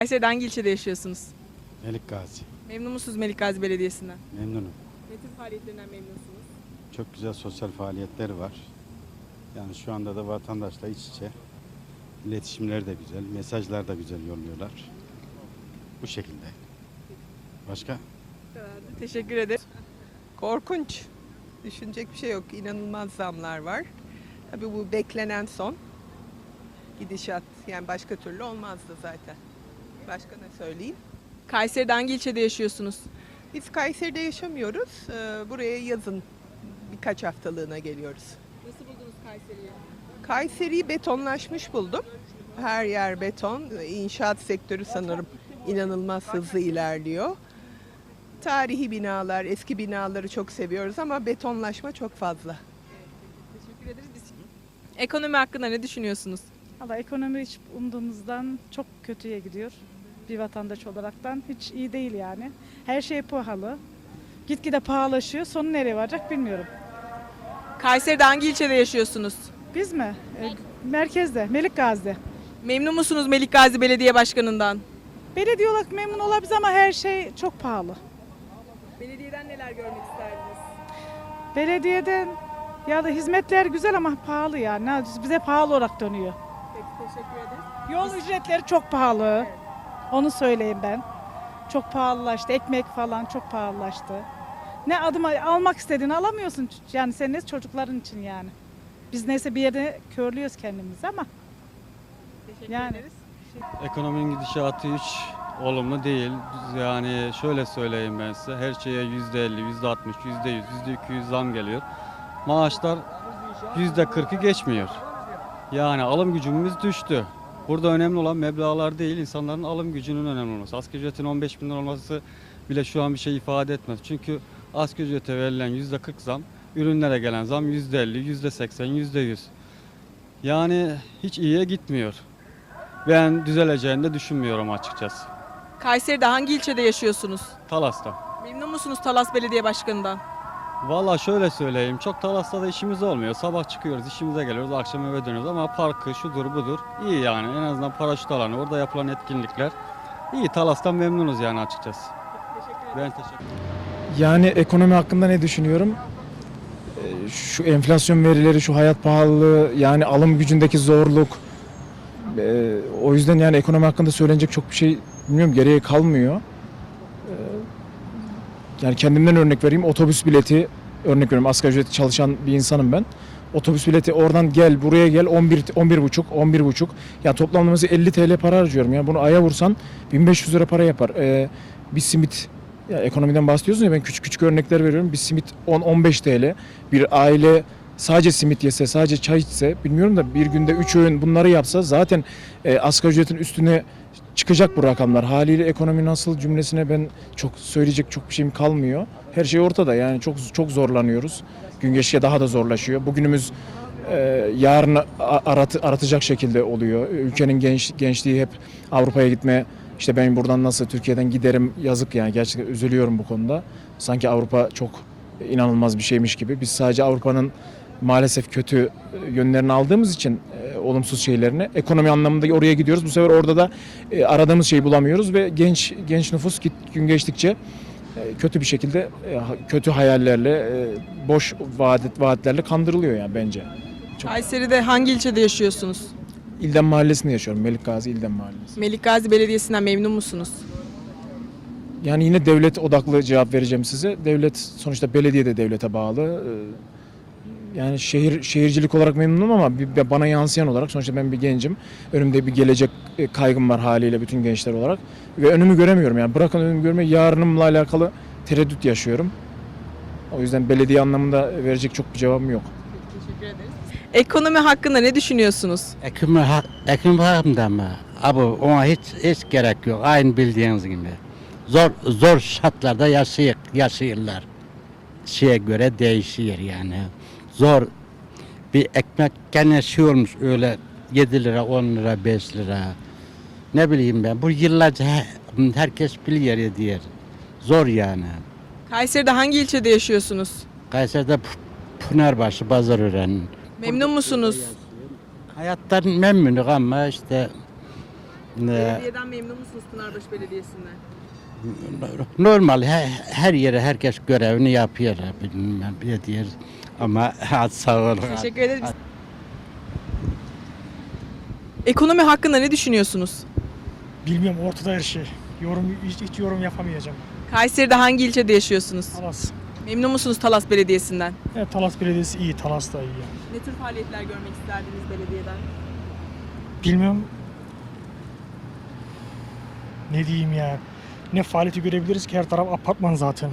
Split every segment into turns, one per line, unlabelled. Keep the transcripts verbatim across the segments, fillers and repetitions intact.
Kayseri'de hangi ilçede yaşıyorsunuz?
Melik Gazi.
Memnun musunuz Melik Gazi Belediyesi'nden?
Memnunum.
Ne tür faaliyetlerinden memnunsunuz?
Çok güzel sosyal faaliyetleri var. Yani şu anda da vatandaşla iç içe. İletişimleri de güzel, mesajlar da güzel yolluyorlar. Bu şekilde. Başka?
Teşekkür ederim.
Korkunç. Düşünecek bir şey yok. İnanılmaz zamlar var. Tabii bu beklenen son gidişat. Yani başka türlü olmazdı zaten. Başka ne söyleyeyim?
Kayseri'de hangi ilçede yaşıyorsunuz?
Biz Kayseri'de yaşamıyoruz. Ee, Buraya yazın birkaç haftalığına geliyoruz.
Nasıl buldunuz Kayseri'yi?
Kayseri'yi betonlaşmış buldum. Her yer beton. İnşaat sektörü sanırım inanılmaz hızlı ilerliyor. Tarihi binalar, eski binaları çok seviyoruz ama betonlaşma çok fazla.
Teşekkür ederiz. Biz... Ekonomi hakkında ne düşünüyorsunuz?
Valla ekonomi hiç umduğumuzdan çok kötüye gidiyor. Bir vatandaş olaraktan hiç iyi değil yani. Her şey pahalı. Gitgide pahalaşıyor. Sonu nereye varacak bilmiyorum.
Kayseri'de hangi ilçede yaşıyorsunuz?
Biz mi? E, merkezde, Melik Gazi'de.
Memnun musunuz Melik Gazi Belediye Başkanı'ndan?
Belediye olarak memnun olabiliriz ama her şey çok pahalı.
Belediyeden neler görmek isterdiniz?
Belediyeden ya da hizmetler güzel ama pahalı yani. Bize pahalı olarak dönüyor.
Peki, teşekkür ederiz.
Yol ücretleri çok pahalı. Onu söyleyeyim ben. Çok pahalılaştı. Ekmek falan çok pahalılaştı. Ne adım almak istediğini alamıyorsun. Yani senin ne çocukların için yani. Biz neyse bir yerde körlüyoruz kendimizi ama.
Teşekkür
Yani.
ederiz.
Ekonominin gidişatı hiç olumlu değil. Yani şöyle söyleyeyim ben size. Her şeye yüzde elli, yüzde altmış, yüzde yüz, yüzde iki yüz zam geliyor. Maaşlar yüzde kırkı geçmiyor. Yani alım gücümüz düştü. Burada önemli olan meblağlar değil, insanların alım gücünün önemli olması. Asgari ücretin on beş bin lira olması bile şu an bir şey ifade etmez. Çünkü asgari ücrete verilen yüzde kırk zam, ürünlere gelen zam yüzde elli, yüzde seksen, yüzde yüz. Yani hiç iyiye gitmiyor. Ben düzeleceğini de düşünmüyorum açıkçası.
Kayseri'de hangi ilçede yaşıyorsunuz?
Talas'ta.
Memnun musunuz Talas Belediye Başkanı'ndan?
Valla şöyle söyleyeyim, çok Talas'ta da işimiz olmuyor. Sabah çıkıyoruz, işimize geliyoruz, akşam eve dönüyoruz ama parkı şudur budur iyi yani. En azından paraşüt alanı, orada yapılan etkinlikler iyi. Talas'tan memnunuz yani açıkçası. Ben teşekkür ederim.
Yani ekonomi hakkında ne düşünüyorum? Ee, Şu enflasyon verileri, şu hayat pahalılığı, yani alım gücündeki zorluk. Ee, O yüzden yani ekonomi hakkında söylenecek çok bir şey bilmiyorum, geriye kalmıyor. Ee, Yani kendimden örnek vereyim. Otobüs bileti örnek veriyorum. Asgari ücretli çalışan bir insanım ben. Otobüs bileti oradan gel buraya gel on bir on bir buçuk on bir buçuk. Yani toplamda mesela elli T L para harcıyorum. Yani bunu aya vursan bin beş yüz lira para yapar. Ee, bir simit, ya ekonomiden bahsediyorsun ya, ben küçük küçük örnekler veriyorum. Bir simit on on beş T L. Bir aile sadece simit yese, sadece çay içse, bilmiyorum da bir günde üç öğün bunları yapsa zaten e, asgari ücretin üstüne çıkacak bu rakamlar. Haliyle ekonomi nasıl cümlesine ben çok söyleyecek çok bir şeyim kalmıyor. Her şey ortada, yani çok çok zorlanıyoruz. Gün geçtikçe daha da zorlaşıyor. Bugünümüz e, yarını arat, aratacak şekilde oluyor. Ülkenin genç, gençliği hep Avrupa'ya gitme. İşte ben buradan nasıl Türkiye'den giderim, yazık yani, gerçekten üzülüyorum bu konuda. Sanki Avrupa çok inanılmaz bir şeymiş gibi. Biz sadece Avrupa'nın maalesef kötü yönlerini aldığımız için e, olumsuz şeylerini, ekonomi anlamında oraya gidiyoruz. Bu sefer orada da e, aradığımız şeyi bulamıyoruz ve genç genç nüfus git, gün geçtikçe e, kötü bir şekilde e, kötü hayallerle, e, boş vaat, vaatlerle kandırılıyor yani bence. Çok.
Kayseri'de hangi ilçede yaşıyorsunuz?
İldem Mahallesi'nde yaşıyorum. Melik Gazi İldem Mahallesi.
Melik Gazi Belediyesi'nden memnun musunuz?
Yani yine devlet odaklı cevap vereceğim size. Devlet sonuçta, belediye de devlete bağlı. E, Yani şehir şehircilik olarak memnunum ama bir, bana yansıyan olarak sonuçta ben bir gencim. Önümde bir gelecek kaygım var haliyle bütün gençler olarak. Ve önümü göremiyorum yani. Bırakın önümü görmeyi, yarınımla alakalı tereddüt yaşıyorum. O yüzden belediye anlamında verecek çok bir cevabım yok.
Teşekkür ederiz. Ekonomi hakkında ne düşünüyorsunuz?
Ekonomi, hak- ekonomi hakkında mı? Abi ona hiç hiç gerek yok. Aynı bildiğiniz gibi. Zor zor şartlarda yaşayık, yaşıyorlar. Şeye göre değişiyor yani. Zor bir ekmek gene şey olmuş öyle yedi lira, on lira, beş lira. Ne bileyim ben. Bu yıllarca he- herkes biliyor diyor. Zor yani.
Kayseri'de hangi ilçede yaşıyorsunuz?
Kayseri'de P- Pınarbaşı, Pazarören.
Memnun musunuz?
Hayattan memnunum ama işte Ne,
Belediyeden memnun musunuz Pınarbaşı Belediyesi'nden?
normal her, her yere herkes görevini yapıyor. Bilmem ne diyor. Ama hadi sağ olun.
Teşekkür ederiz. Ekonomi hakkında ne düşünüyorsunuz?
Bilmiyorum, ortada her şey. Yorum hiç, hiç yorum yapamayacağım.
Kayseri'de hangi ilçede yaşıyorsunuz?
Talas.
Memnun musunuz Talas Belediyesi'nden?
Evet, Talas Belediyesi iyi, Talas da iyi yani.
Ne tür faaliyetler görmek isterdiniz belediyeden?
Bilmiyorum. Ne diyeyim ya. Ne faaliyeti görebiliriz ki, her taraf apartman zaten.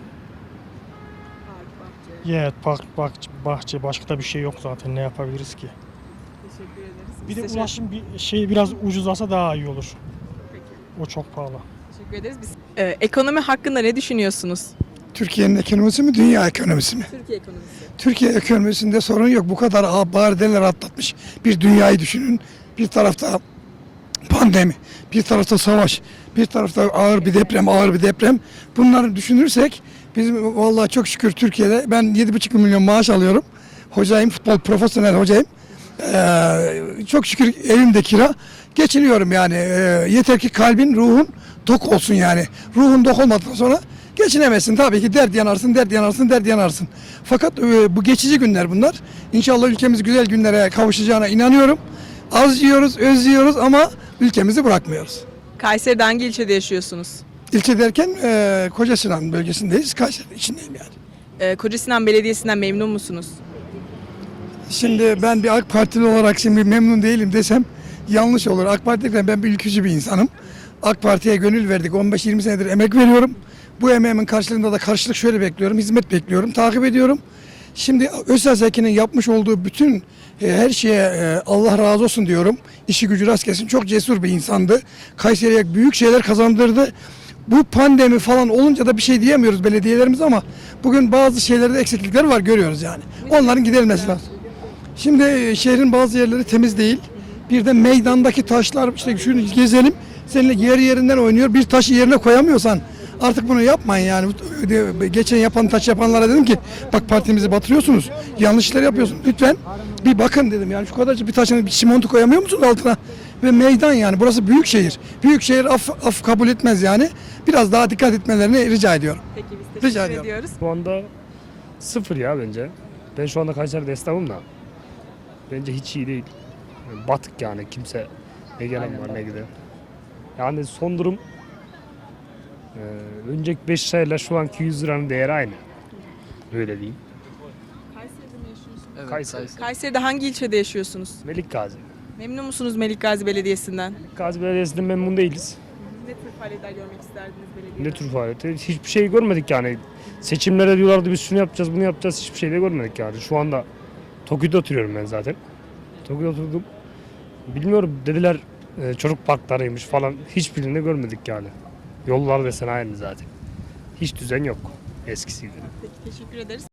Park, bahçe.
Evet, park, bahçe, bahçe, başka da bir şey yok zaten, ne yapabiliriz ki.
Teşekkür ederiz.
Bir
Biz
de
teşekkür-
ulaşım bir şey biraz ucuzlasa daha iyi olur.
Peki.
O çok pahalı.
Teşekkür ederiz. Biz... Ee, ekonomi hakkında ne düşünüyorsunuz?
Türkiye'nin ekonomisi mi, dünya ekonomisi mi?
Türkiye ekonomisi.
Türkiye ekonomisinde sorun yok. Bu kadar ağır barideler atlatmış bir dünyayı düşünün. Bir tarafta pandemi, bir tarafta savaş, bir tarafta ağır bir deprem, ağır bir deprem. Bunları düşünürsek biz vallahi çok şükür Türkiye'de ben yedi buçuk milyon maaş alıyorum. Hocayım, futbol profesyonel hocayım. Ee, çok şükür evimde kira. Geçiniyorum yani. Ee, yeter ki kalbin, ruhun tok olsun yani. Ruhun tok olmadıktan sonra geçinemezsin. Tabii ki dert yanarsın, dert yanarsın, dert yanarsın. Fakat e, bu geçici günler bunlar. İnşallah ülkemiz güzel günlere kavuşacağına inanıyorum. Az yiyoruz, öz yiyoruz ama ülkemizi bırakmıyoruz.
Kayseri'de hangi ilçede yaşıyorsunuz?
İlçe derken e, Kocasinan bölgesindeyiz. Kayseri içindeyim yani.
Ee, Kocasinan Belediyesi'nden memnun musunuz?
Şimdi ben bir AK Partili olarak şimdi memnun değilim desem yanlış olur. AK Parti'den ben bir ülkücü bir insanım. AK Parti'ye gönül verdik. on beş yirmi senedir emek veriyorum. Bu emeğimin karşılığında da karşılık şöyle bekliyorum. Hizmet bekliyorum. Takip ediyorum. Şimdi Özsel Zeki'nin yapmış olduğu bütün e, her şeye e, Allah razı olsun diyorum. İşi gücü rast gelsin. Çok cesur bir insandı. Kayseri'ye büyük şeyler kazandırdı. Bu pandemi falan olunca da bir şey diyemiyoruz belediyelerimiz ama bugün bazı şeylerde eksiklikler var, görüyoruz yani. Onların giderilmesi lazım. Şimdi e, şehrin bazı yerleri temiz değil. Bir de meydandaki taşlar, işte şunu gezelim. Seninle yer yerinden oynuyor. Bir taşı yerine koyamıyorsan artık bunu yapmayın yani. Geçen yapan taş yapanlara dedim ki bak partimizi batırıyorsunuz. Yanlış işler yapıyorsunuz. Lütfen bir bakın dedim yani, şu kadarcık bir taşın bir çimento koyamıyor musunuz altına? Ve meydan yani, burası büyük şehir. Büyük şehir af, af kabul etmez yani. Biraz daha dikkat etmelerini rica ediyorum.
Peki biz teşekkür
Rica ediyorum.
ediyoruz.
Şu anda sıfır ya bence. Ben şu anda Kayseri'de esnafım da. Bence hiç iyi değil. Yani batık yani, kimse ne gelen var ne giden. Yani son durum e, önceki beş lirayla şu anki yüz liranın değeri aynı. Öyle diyeyim.
Kayseri'de mi yaşıyorsunuz?
Kayseri.
Kayseri'de hangi ilçede yaşıyorsunuz?
Melik Gazi.
Memnun musunuz Melik Gazi Belediyesi'nden?
Melik Gazi Belediyesi'nden memnun değiliz.
Ne tür faaliyetler görmek isterdiniz belediyeden?
Ne tür faaliyeti? Hiçbir şey görmedik yani. Seçimlere diyorlardı biz şunu yapacağız bunu yapacağız, hiçbir şey de görmedik yani. Şu anda Tokyo'da oturuyorum ben zaten. Tokyo'da oturdum. Bilmiyorum dediler e, çocuk parklarıymış falan, hiçbirini de görmedik yani. Yollar desen aynı zaten. Hiç düzen yok eskisi gibi.
Peki teşekkür ederiz.